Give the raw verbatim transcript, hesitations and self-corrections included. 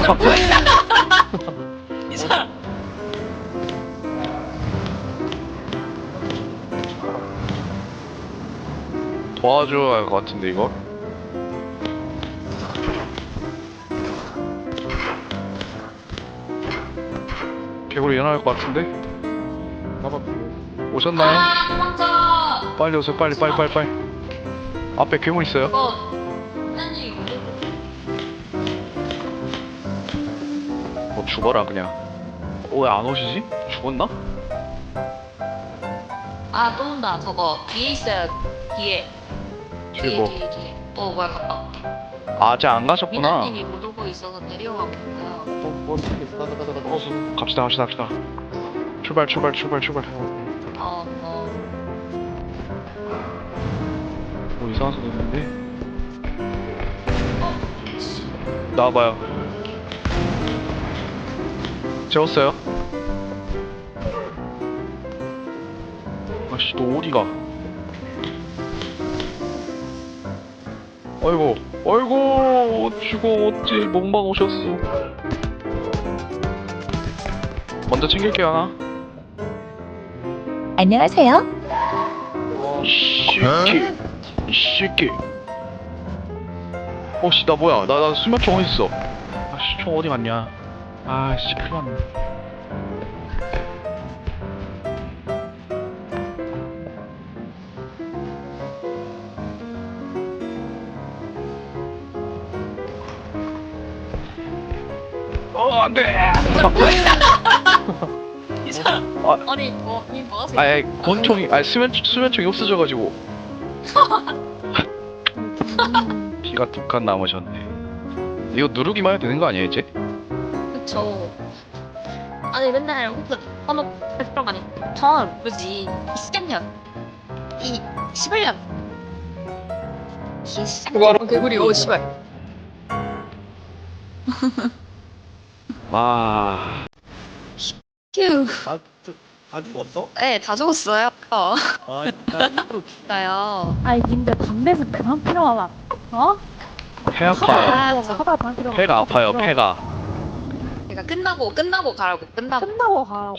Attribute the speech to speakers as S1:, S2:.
S1: 이 사람.
S2: 도와줘야 할 것 같은데 이거? 개구리 일어날 것 같은데?
S3: 가봐.
S2: 오셨나요?
S1: 아, 도망쳐.
S2: 빨리 오세요 빨리 빨리 빨리 빨리. 앞에 괴물 있어요.
S1: 이거 아니
S2: 뭐 죽어라 그냥. 어, 왜 안 오시지? 죽었나?
S1: 아, 또 온다. 저거 뒤에 있어요. 뒤에.
S2: 뒤에
S1: 뒤에
S2: 뭐
S1: 뒤에 뒤에. 어, 뭐야, 갔다.
S2: 아직 안 가셨구나.
S1: 미나님이 못 오고 있어서 내려가고 있어요.
S3: 어, 뭐 어떻게 있어? 가자, 가자, 가자. 어,
S2: 갑시다 갑시다 갑시다. 출발 출발 출발 출발.
S1: 어, 어.
S2: 뭐 이상한 소리 있는데? 나와봐요. 재웠어요? 아씨 너 어디가? 아이고 아이고 죽어 어찌 몸만 오셨어. 먼저 챙길게요 하나.
S4: 안녕하세요.
S2: 이 새끼 이 새끼. 어씨 나 뭐야 나 나 수면총 어딨어. 아씨 총 어디 갔냐. 아씨 큰일 났네. 어 안돼.
S1: 이 사람.
S2: 아,
S1: 아니, 뭐, 이 뭐 하세요?
S2: 아예 권총이 아 수면 수면총이 없어져가지고 피가 두 칸 남으셨네. 이거 누르기만 해도 되는 거 아니에요 이제?
S1: 그쵸. 아니, 맨날 혼자 써놓고 들어가니. 전, 뭐지, 이십 년. 이, 십일 년. 이 십일 년. 개구리, 오, 씨발.
S2: 아
S1: 휴.
S3: 아, 저, 아 죽었어?
S1: 네, 다 죽었어요. 어.
S3: 아, 나 이거
S1: 나요.
S4: 아이 님들 담배도 그만 피워라. 어?
S2: 배 아파요.
S1: 아, 저
S4: 하다 그만 피워.
S2: 배가 아파요 배가.
S1: 그러니까 끝나고, 끝나고 가라고, 끝나고.
S4: 끝나고 가라고.